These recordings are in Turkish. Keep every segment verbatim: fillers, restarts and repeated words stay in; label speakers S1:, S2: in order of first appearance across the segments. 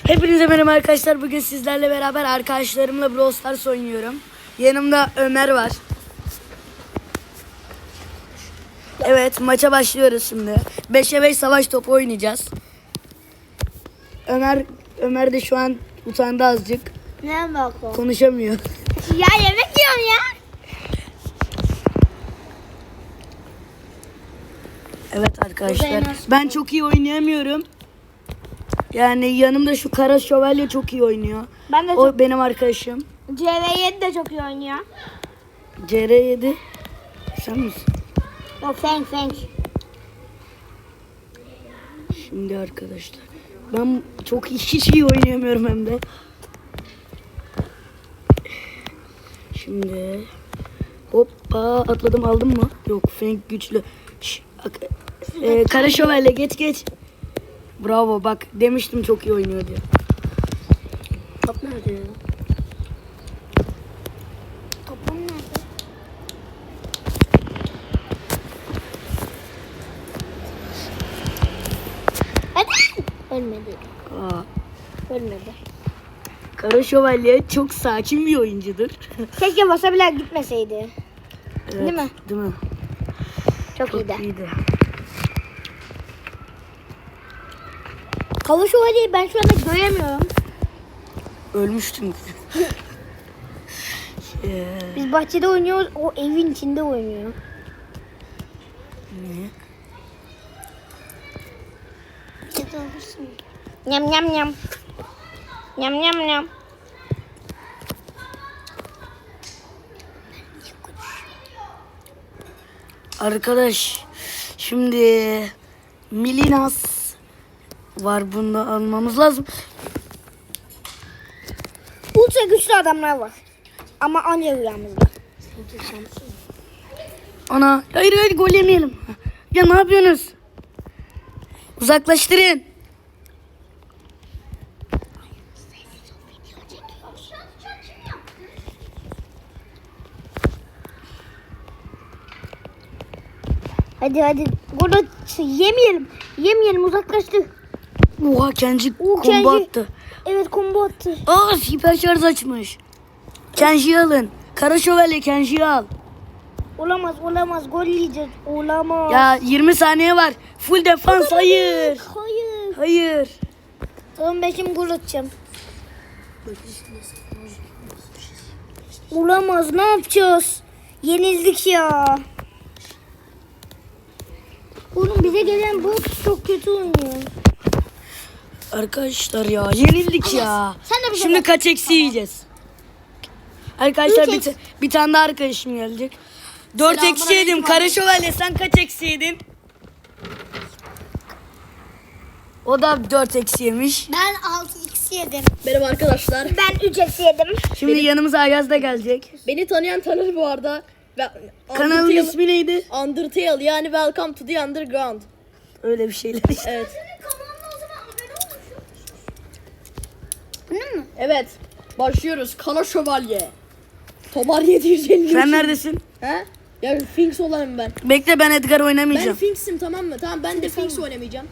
S1: Hepinize merhaba arkadaşlar. Bugün sizlerle beraber arkadaşlarımla Brawl Stars oynuyorum. Yanımda Ömer var. Evet, maça başlıyoruz şimdi. beşe beş savaş topu oynayacağız. Ömer Ömer de şu an utandı azıcık.
S2: Ne bak o?
S1: Konuşamıyor.
S2: Ya yemek yiyorum ya.
S1: Evet arkadaşlar.
S2: Burada en az-
S1: Ben çok iyi oynayamıyorum. Yani yanımda şu kara şövalye çok iyi oynuyor.
S2: Ben de
S1: O
S2: çok...
S1: benim arkadaşım.
S2: C V yedi de çok iyi oynuyor.
S1: C R yedi. Sen misin?
S2: Yok Feng Feng.
S1: Şimdi arkadaşlar. Ben çok iyi, hiç iyi oynayamıyorum hem de. Şimdi hoppa atladım, aldım mı? Yok, Fenk güçlü. Şş, ak- e, kara şövalye geç geç. Bravo, bak demiştim çok iyi oynuyor diye.
S2: Top nerede ya? Topum nerede? Hadi. Ölmedi.
S1: Aa,
S2: Ölmedi.
S1: kara şövalye çok sakin bir oyuncudur.
S2: Keşke basa bile gitmeseydi.
S1: Evet,
S2: Değil mi?
S1: Değil mi?
S2: Çok,
S1: Çok
S2: iyiydi.
S1: iyiydi.
S2: Kava şövalyeyi ben şu anda göremiyorum.
S1: Ölmüştüm. Ee,
S2: Biz bahçede oynuyoruz. O evin içinde oynuyor.
S1: ne?
S2: Nyam nyam nyam. Nyam nyam nyam.
S1: Arkadaş, şimdi Milinas var, bunu da almamız lazım.
S2: Ultra güçlü adamlar var. Ama anca rüyamızda.
S1: Ana, hayır hayır, gol yemeyelim. Ya ne yapıyorsunuz? Uzaklaştırın.
S2: Hadi hadi. Burada yemeyelim. Yemeyelim, uzaklaştı.
S1: Oha, Kenji
S2: Oo,
S1: combo
S2: Kenji.
S1: attı.
S2: Evet, combo attı.
S1: Aa, hiper şarj açmış. Kenji'yi alın. Kara şövalye Kenji'yi al.
S2: Olamaz olamaz, gol yiyeceğiz. Olamaz.
S1: Ya yirmi saniye var. Full defans, hayır.
S2: Hayır.
S1: Hayır.
S2: Tamam, ben şimdi gol atacağım. Olamaz, ne yapacağız? Yenildik ya. Oğlum, bize gelen bot çok kötü oynuyor.
S1: Arkadaşlar ya, yenildik ya.
S2: Sen de bir şey
S1: Şimdi
S2: bak.
S1: kaç eksi yiyeceğiz? Arkadaşlar
S2: Üç
S1: bir,
S2: eksi.
S1: ta- bir tane daha arkadaşım gelecek. Dört eksi yedim. Kara şövalye, sen kaç eksi yedin? O da dört eksi yemiş.
S2: Ben altı eksi yedim.
S3: Merhaba arkadaşlar.
S2: Ben üç eksi yedim.
S1: Şimdi yanımıza Ayaz da gelecek.
S3: Beni tanıyan tanır bu arada. Ve
S1: Kanalın
S3: Undertale-
S1: ismi neydi?
S3: Undertale, yani Welcome to the Underground.
S1: Öyle bir şeyler işte.
S3: Evet.
S2: Bunun mu?
S3: Evet. Başlıyoruz. Kara Şövalye. Tomar yedi yüz elli üç.
S1: Sen neredesin?
S3: He? Ya Finks olayım ben.
S1: Bekle, ben Edgar
S3: Ben
S1: oynamayacağım.
S3: Finks'im, tamam mı? Tamam, ben de Finks oynamayacağım.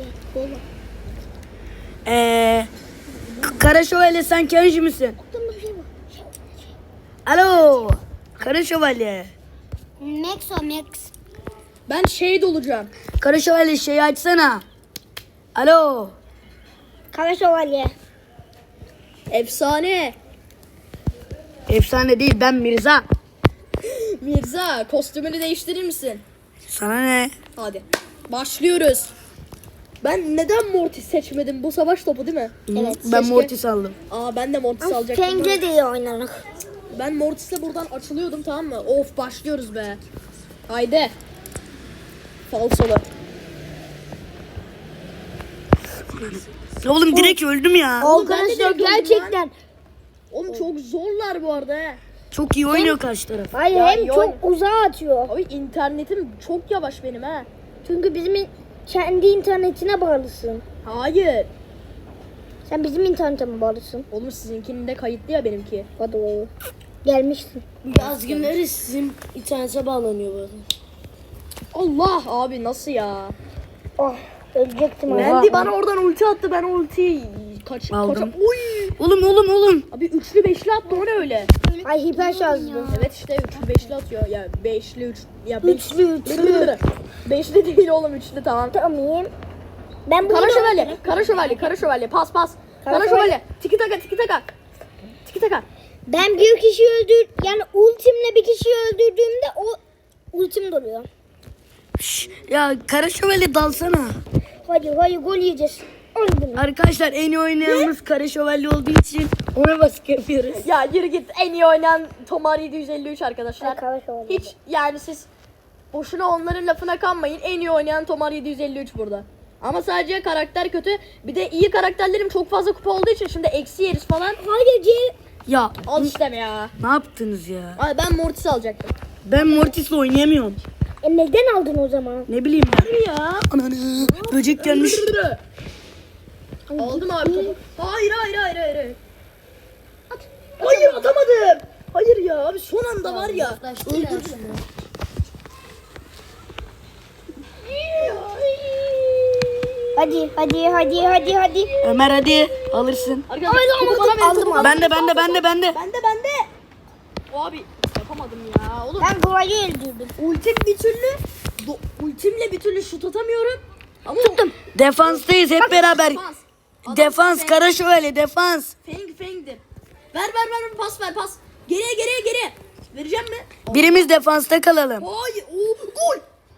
S1: Ee, K- Kara şövalye, sen Kenji misin?
S2: Aklımda bir şey var.
S1: Alo. Kara şövalye.
S2: Max o Max.
S3: Ben şey olacağım.
S1: Kara şövalye, şeyi açsana. Alo.
S2: Kara şövalye.
S3: Efsane.
S1: Efsane değil, ben Mirza.
S3: Mirza, kostümünü değiştirir misin?
S1: Sana ne?
S3: Hadi. Başlıyoruz. Ben neden Mortis seçmedim? Bu savaş topu değil mi?
S2: Evet.
S1: Ben
S3: keşke-
S1: Mortis aldım.
S3: Aa, ben de Mortis alacaktım.
S2: Feng'le de iyi oynarız.
S3: Ben Mortis'le buradan açılıyordum, tamam mı? Of, başlıyoruz be. Haydi. Falsolu.
S1: Oğlum direkt öldüm ya.
S3: Oğlum, ben de
S2: Arkadaşlar
S3: direkt öldüm
S2: gerçekten.
S3: Oğlum çok zorlar bu arada he.
S1: Çok iyi oynuyor karşı taraf.
S2: Hayır,
S3: Ya,
S2: hem
S3: yok.
S2: çok uzağa atıyor.
S3: Abi internetim çok yavaş benim he.
S2: Çünkü bizim in- kendi internetine bağlısın.
S3: Hayır.
S2: Sen bizim internete mi bağlısın?
S3: Oğlum sizinkinin de kayıtlı ya benimki.
S2: Hadi oğlum. Gelmişsin.
S1: Yaz günleri sizin internete bağlanıyor bu arada.
S3: Allah abi, nasıl ya?
S2: Oh, ölecektim.
S1: Oha.
S2: ha.
S3: Andy bana oradan ulti attı, ben o ultiyi kaç
S1: Aldım.
S3: kaç oy.
S1: Oğlum oğlum oğlum.
S3: Abi üçlü beşli attı o ne öyle?
S2: Ay hiper şarjlı.
S3: Evet işte üçlü beşli atıyor. Ya beşli üç ya beş.
S2: Üçlü üçlü.
S3: Beşli değil oğlum üçlü tamam.
S2: Tamam. Ben bunu
S3: Kara şövalye, kara şövalye, kara şövalye, pas pas. Kara,
S2: Kara
S3: şövalye, tiki taka, tiki taka. Tiki taka.
S2: Ben bir kişi öldür yani ultimle bir kişiyi öldürdüğümde o ultim duruyor.
S1: Şş, ya Kara Şövalye dalsana.
S2: Hadi hadi gol yiyeceğiz. Öldüm.
S1: Arkadaşlar en iyi oynayanımız Kara Şövalye olduğu için ona baskı yapıyoruz.
S3: Ya yürü git en iyi oynayan Tomar yedi yüz elli üç arkadaşlar.
S2: Ay, kara şövalye.
S3: Hiç yani siz boşuna onların lafına kanmayın. En iyi oynayan Tomar yedi yüz elli üç burada. Ama sadece karakter kötü. Bir de iyi karakterlerim çok fazla kupa olduğu için şimdi eksi yeriz falan.
S2: Hayır C.
S1: Ya
S3: Al işte ya.
S1: ne yaptınız ya?
S3: Ay ben Mortis alacaktım.
S1: Ben Mortis'le oynayamıyorum.
S2: E neden aldın o zaman?
S1: Ne bileyim ben.
S3: Ya.
S1: Ananı böcek gelmiş.
S3: Aldım abi topu. Hayır hayır hayır hayır. hayır. At. Hayır atamadım. Hayır ya abi son anda var ya. Öldürdüm.
S2: Hadi hadi hadi hadi hadi.
S1: Ömer hadi alırsın.
S3: Arkadaşlar
S2: Hayır,
S3: topu
S2: aldım,
S3: bana verin,
S2: aldım,
S3: topu
S2: aldım.
S3: bana
S1: Ben de ben de ben de ben de.
S3: Bende bende. O abi yapamadım ya. Oğlum
S2: Ben Goa'yı öldürdüm.
S3: ultim bir türlü do, ultimle bir türlü şut atamıyorum. Ama tuttum.
S1: Defanstayız hep beraber.
S3: Defans. Adam
S1: Defans
S3: feng-
S1: Kara Şövalye defans.
S3: Feng fengdir. Ver ver ver pas ver pas. Geriye geriye geriye. Vereceğim mi?
S1: Birimiz defansta kalalım.
S3: Hayır. Oo, gol.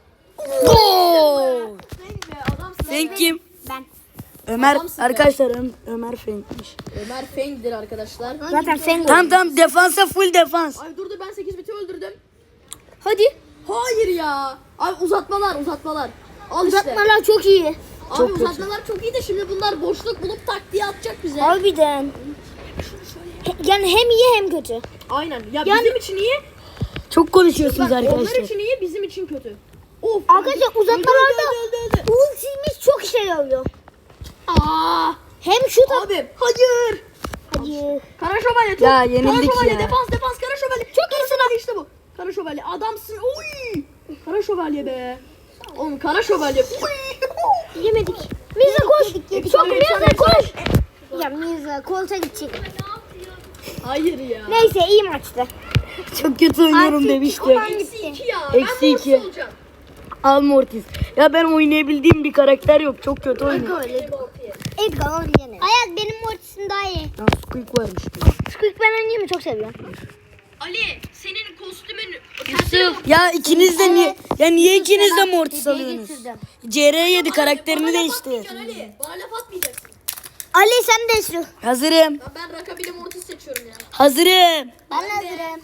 S1: Gol.
S3: Feng be adamsın.
S1: Sen kim?
S2: Ben.
S1: Ömer
S3: Adamsın be.
S1: arkadaşlar Ö- Ömer Fenk'miş.
S3: Ömer fengdir arkadaşlar.
S2: Zaten sen
S1: Tamam tamam defansa full defans.
S3: Ay dur dur ben sekiz biti öldürdüm.
S2: Hadi.
S3: Hayır ya. Abi uzatmalar uzatmalar. Al işte.
S2: Uzatmalar çok iyi.
S3: Abi
S1: Çok kötü.
S3: uzatmalar çok iyi de şimdi bunlar boşluk bulup tak diye atacak bize.
S2: Harbiden. He- Yani hem iyi hem kötü.
S3: Aynen. Ya
S2: Yani-
S3: bizim için iyi.
S1: Çok konuşuyorsunuz
S3: Bak, onlar
S1: arkadaşlar.
S3: için iyi, bizim için kötü. Of.
S2: Arkadaşlar
S3: öldü,
S2: uzatmalarda
S3: öldü, öldü, öldü, öldü.
S2: ultimiz çok işe yarıyor.
S3: Aa!
S2: Hem şut at.
S3: Abi hayır.
S2: Hadi.
S3: Kara şövalye top.
S1: Ya, yenildik
S3: Kara şövalye
S1: ya.
S3: defans defans kara şövalye. Çok iyisin abi işte bu. Kara şövalye adamsın. Oy! Kara şövalye be. Oğlum kara şövalye. Oy!
S2: Yemedik. Mirza koş. Çok
S3: Yedik.
S2: Mirza koş. Ya Mirza kolta gidecek.
S3: Hayır ya.
S2: Neyse iyi maçtı.
S1: Çok kötü oynuyorum
S2: Artık
S1: demiştim.
S2: aman
S3: Eksi iki ya.
S1: Eksi
S3: ben Mortis
S1: iki.
S3: olacağım.
S1: Al Mortis. Ya ben oynayabildiğim bir karakter yok. Çok kötü oynuyor.
S2: Edgar oynayalım. Hayat benim Mortis'im daha iyi.
S1: Ya Squeak varmış.
S2: Squeak ben oynayayım mı? Çok seviyorum.
S3: Ali senin kostümün
S1: Ya ikiniz de niye ya niye ikiniz de Mortis
S2: Hediye
S1: alıyorsunuz?
S2: getirdim.
S1: C R yedi karakterini değiştir.
S3: Ali bana laf atmayacaksın.
S2: Ali sen de sür.
S1: Hazırım.
S3: Ya ben rakabili Mortis seçiyorum ya.
S1: Hazırım.
S2: Ben de hazırım.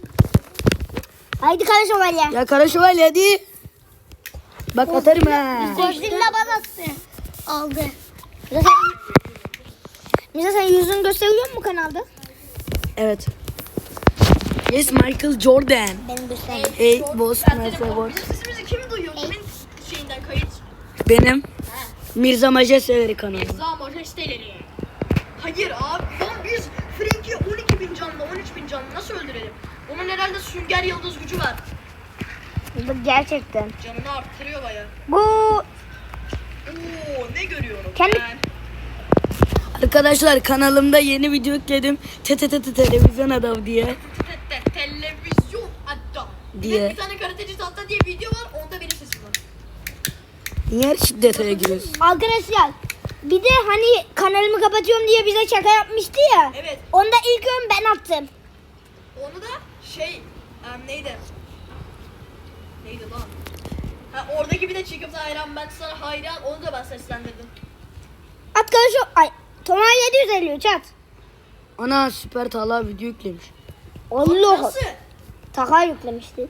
S2: Haydi Kara Şövalye.
S1: Ya Kara Şövalye hadi. Bak atarım ha.
S2: Godzilla bana attı. Aldı. Mirza sen, Mirza sen yüzünü gösteriyor mu kanalda?
S1: Evet. Yes Michael Jordan.
S2: Benim gösteriyorum.
S1: Hey boss Merhaba boss.
S3: Bizim sesimizi kim duyuyor? Kimin şeyinden kayıt?
S1: Benim Mirza Majesteleri kanalı.
S3: Za majesteleri. Hayır abi lan biz Frank'i on iki bin canlı on üç bin canlı nasıl öldürelim? Onun herhalde sünger yıldız gücü var.
S2: Bu gerçekten.
S3: Canını arttırıyor baya.
S2: Bu
S3: Oo ne görüyorum
S2: Kendi-
S3: ben.
S1: Arkadaşlar kanalımda yeni video yükledim. T T T T televizyon adam diye.
S3: Te- te- Televizyon adam.
S1: Diye.
S3: Bir, bir tane karateci tahta diye video var onda benim sesim var.
S1: Niye her şey detaya giriyorsun?
S2: arkadaşlar bir de hani kanalımı kapatıyorum diye bize şaka yapmıştı ya.
S3: Evet
S2: Onda ilk ön ben attım.
S3: onu da şey em, neydi? Neydi lan? Ha oradaki bir de çıkıp da hayran ben sana hayran onu da ben seslendirdim.
S2: At Kara Şö... Ay. Tomar yedi yüz elli üç at.
S1: Ana süper Talha video yüklemiş.
S2: Allah.
S3: Nasıl?
S2: Taka yüklemişti.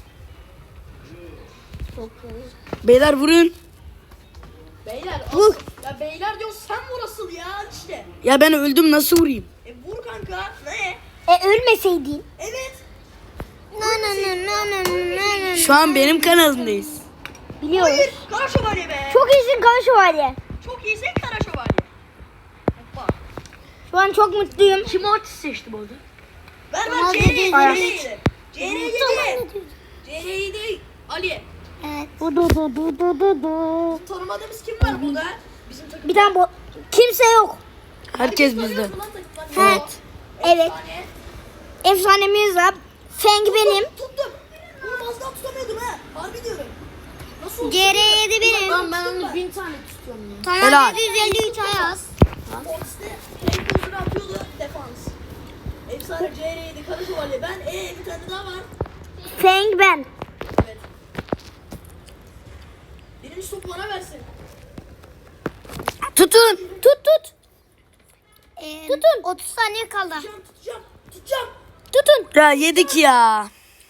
S1: Beyler vurun.
S3: Beyler
S2: Vur.
S3: asıl- ya beyler diyor sen vur asıl ya işte.
S1: Ya ben öldüm nasıl vurayım?
S3: E vur kanka ne?
S2: E ölmeseydin.
S3: Evet.
S2: Na na na na na na na.
S1: Şu an benim kanalımdayız.
S2: Biliyoruz.
S3: Hayır kara şövalye be.
S2: Çok iyisin Kara Şövalye.
S3: Çok iyisin kara şövalye. Hoppa.
S2: Şu an çok mutluyum.
S1: Kim Mortis seçti bu arada?
S3: Ver
S2: Tamam,
S3: ver C R
S2: dedi.
S3: yedi.
S2: Ay.
S3: C R yedi. C R yedi. Ali.
S2: Evet. Du du du du du du du.
S3: Tanımadığımız kim var burada? Bizim takım.
S2: Bir tane bo- kimse yok.
S1: Herkes bizde.
S2: Evet. Evet. Efsanemiz var. Feng benim.
S3: Tuttum. Bunu az daha tutamıyordum ha. Harbi diyorum. Nasıl oldu?
S2: C R yedi benim.
S3: Lan ben onu bin tane tutuyorum ya.
S2: Tamam
S1: Helal.
S2: yedi yüz elli üç Ayaz.
S3: Fox'te tek uzun atıyordu defans. Efsane C R yedi Kara Şövalye. Ben ee bir tane daha var.
S2: Feng ben.
S3: Evet. Birinci topu bana versin.
S1: Tutun.
S2: Tut tut. Ee, Tutun. otuz saniye kaldı.
S3: Tutacağım tutacağım. Tutacağım.
S2: Tutun.
S1: Ya yedik ya.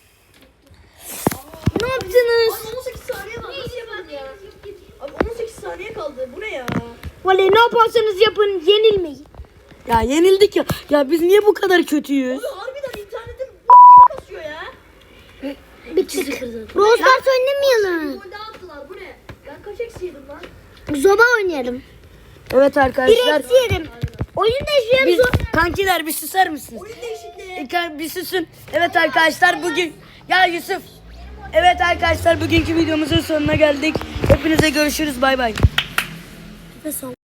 S2: Ne yaptınız?
S3: Abi on sekiz saniye kaldı. Nasıl yapalım ya? Abi on sekiz saniye kaldı. Bu ne ya?
S2: Vallahi ne yaparsanız yapın yenilmeyin.
S1: Ya yenildik ya. Ya biz niye bu kadar kötüyüz?
S3: Abi harbiden internetim gibi kasıyor ya.
S2: Bir çizik kırdı. Brawl Stars oynamayalım.
S3: Gol daha attılar. Bu ne? Ben kaç eksi yedim lan?
S2: Zoba oynayalım.
S1: Evet
S2: Bir
S1: arkadaşlar.
S2: eksi yerim. Oyun değişiyor.
S1: Biz, kankiler bir susar mısınız?
S3: Oyun değişikliği.
S1: E, kan- Bir susun. Evet arkadaşlar bugün. Ya Yusuf. Evet arkadaşlar bugünkü videomuzun sonuna geldik. Hepinize görüşürüz. Bay bay.